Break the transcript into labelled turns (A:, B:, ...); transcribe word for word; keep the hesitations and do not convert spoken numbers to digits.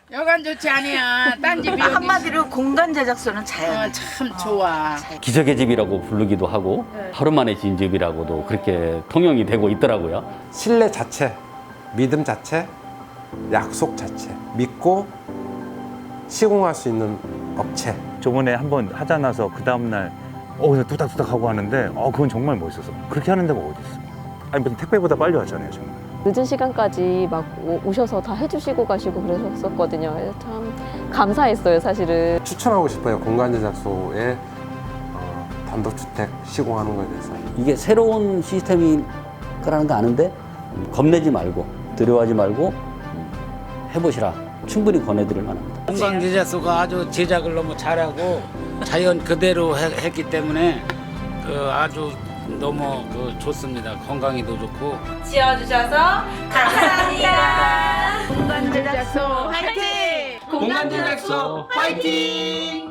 A: 여간 좋지 아니야. 딴 집이 여기
B: 한마디로 공간 제작소는 자연.
A: 어, 참 좋아.
C: 기적의 집이라고 부르기도 하고 하루 만에 지은 집이라고도 그렇게 통용이 되고 있더라고요.
D: 신뢰 자체, 믿음 자체, 약속 자체, 믿고 시공할 수 있는 업체.
E: 저번에 한번 하자 나서 그 다음날 어 그냥 뚝딱뚝딱 하고 하는데 어 그건 정말 멋있어서 그렇게 하는 데가 어디 있어. 아니 무슨 택배보다 빨리 왔잖아요 정말.
F: 늦은 시간까지 막 오- 오셔서 다 해주시고 가시고 그러셨었거든요. 그래서 참 감사했어요, 사실은.
D: 추천하고 싶어요. 공간 제작소에 어, 단독주택 시공하는 거에 대해서.
C: 이게 새로운 시스템이 거라는 거 아는데 겁내지 말고 두려워하지 말고 해보시라. 충분히 권해드릴 만합니다.
G: 공간 제작소가 아주 제작을 너무 잘하고 자연 그대로 해- 했기 때문에 그 아주 너무 그 좋습니다. 건강에도 좋고.
B: 지어주셔서 감사합니다.
A: 공간 제작소 화이팅!
G: 공간 제작소 화이팅!